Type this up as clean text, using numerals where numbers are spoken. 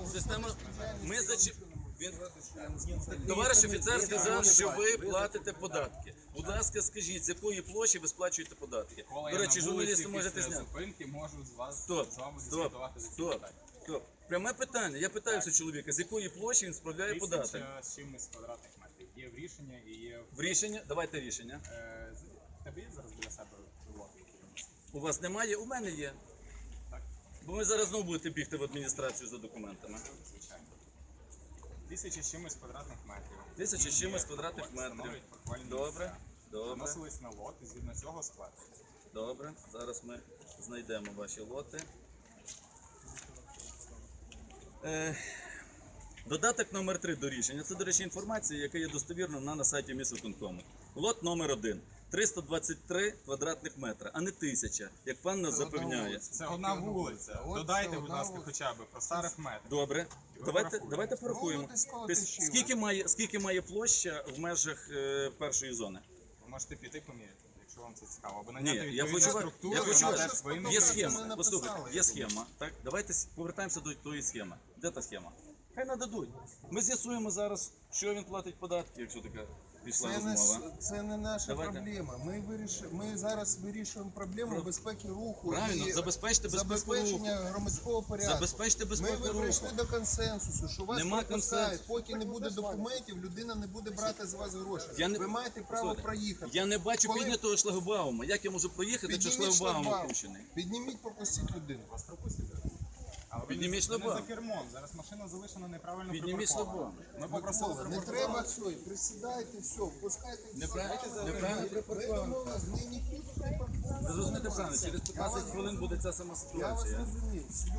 Система. Ми Товариш офіцер сказав, що ви платите податки. Будь ласка, скажіть, з якої площі ви сплачуєте податки? До речі, журналісти можете зняти. Стоп. Пряме питання. Я питаюся чоловіка, з якої площі він справляє податок? 1000 з чимось квадратних метрів. Є в рішення і є В рішення? Давайте рішення. в тебе є зараз біля себе лоти? У вас немає? У мене є. Так. Бо ви зараз знову будете бігти в адміністрацію за документами. Звичайно. 1000 з чимось квадратних метрів. 1000 з чимось квадратних метрів. Встановлюють паркувальні Добре. місця. Добре. Вносились на лот і згідно цього сплачується. Добре. Зараз ми знайдемо ваші лоти. Додаток номер 3 до рішення. Це, до речі, інформація, яка є достовірна на сайті міськвиконкому. Лот номер 1. 323 квадратних метра, а не 1000, як пан нас запевняє. Це одна вулиця. Додайте, будь ласка, хоча б про старих метрів. Добре. Давайте порахуємо. Скільки має площа в межах першої зони? Ви можете піти поміряти, якщо вам це цікаво. Або Ні, наняти я відповідну хочу, структуру. я хочу, яка теж повинна є бути. схема, послухайте, є схема, так? Давайте повертаємося до тої схеми. Де та схема? Хай нададуть. Ми з'ясуємо зараз, що він платить податки, якщо така пішла розмова. Це не наша Давайте. проблема. Ми зараз вирішуємо проблему безпеки руху Правильно, і забезпечте безпеку руху. забезпечення громадського порядку. Забезпечте безпеку Ми руху. прийшли до консенсусу, що вас Нема пропускають. консенсусу. Поки не буде документів, людина не буде брати з вас гроші. Я не- Ви маєте право Слухайте, проїхати. Я не бачу Коли- піднятого шлагбаума. Як я можу проїхати, якщо Підніміть шлагбаум шлагбаум. опущений? Підніміть, пропустіть людину. Вас пропустять. Але ви Підніміть не шлагбаум. за кермом. Зараз машина залишена неправильно Підніміть припаркована. шлагбаум. Ми попросили Не припаркувати. треба цього, присідайте, все, впускайте. Неправильно Ми домовились, ми не тут припаркувати. Ви зрозумієте правильно, через 15 хвилин буде ця сама Я вас ситуація. розумію.